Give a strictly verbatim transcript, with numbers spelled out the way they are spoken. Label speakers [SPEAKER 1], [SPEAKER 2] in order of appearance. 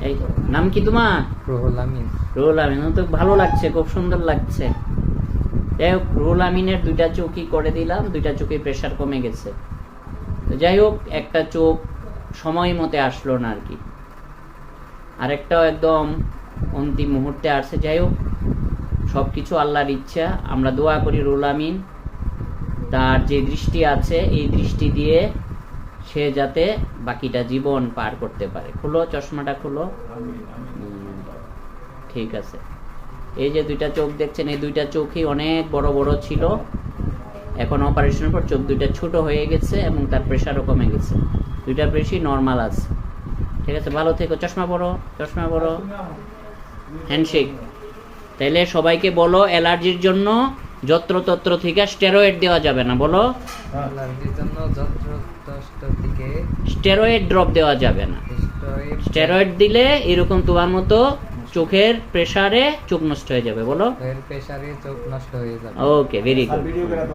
[SPEAKER 1] এই নাম কি তোমার?
[SPEAKER 2] রুহুল আমিন।
[SPEAKER 1] রুহুল আমিন, তো ভালো লাগছে, খুব সুন্দর লাগছে। যাই হোক, রুহুল আমিনের দুইটা চোখই করে দিলাম, দুইটা চোখে প্রেশার কমে গেছে। তো যাই হোক, একটা চোখ সময় মতে আসলো না আর কি, আরেকটাও একদম অন্তিম মুহূর্তে আসছে। যাই হোক, সব কিছু আল্লাহর ইচ্ছা। আমরা দোয়া করি রুহুল আমিন তার যে দৃষ্টি আছে এই দৃষ্টি দিয়ে সে যাতে বাকিটা জীবন পার করতে পারে। খুলো চশমাটা, খুলো। ঠিক আছে। এই যে দুইটা চোখ দেখছেন, এই দুইটা চোখই অনেক বড় বড় ছিল, এখন অপারেশনের পর চোখ দুইটা ছোট হয়ে গেছে এবং তার প্রেশারও কমে গেছে, দুইটা প্রেশারই নর্মাল আছে। ঠিক আছে, ভালো থেকো। চশমা পরো, চশমা পরো। হ্যান্ডশেক। তাইলে সবাইকে বলো, অ্যালার্জির জন্য যত্রতত্র থেকে স্টেরয়েড দেওয়া যাবে না, বলো।
[SPEAKER 2] অ্যালার্জির জন্য যত্রতত্র থেকে
[SPEAKER 1] স্টেরয়েড ড্রপ দেওয়া যাবে না।
[SPEAKER 2] স্টেরয়েড
[SPEAKER 1] স্টেরয়েড দিলে এরকম তোমার মতো চোখের প্রেসারে চোখ নষ্ট হয়ে যাবে, বলো।
[SPEAKER 2] এর প্রেসারে চোখ নষ্ট হয়ে যাবে।
[SPEAKER 1] Okay, very good.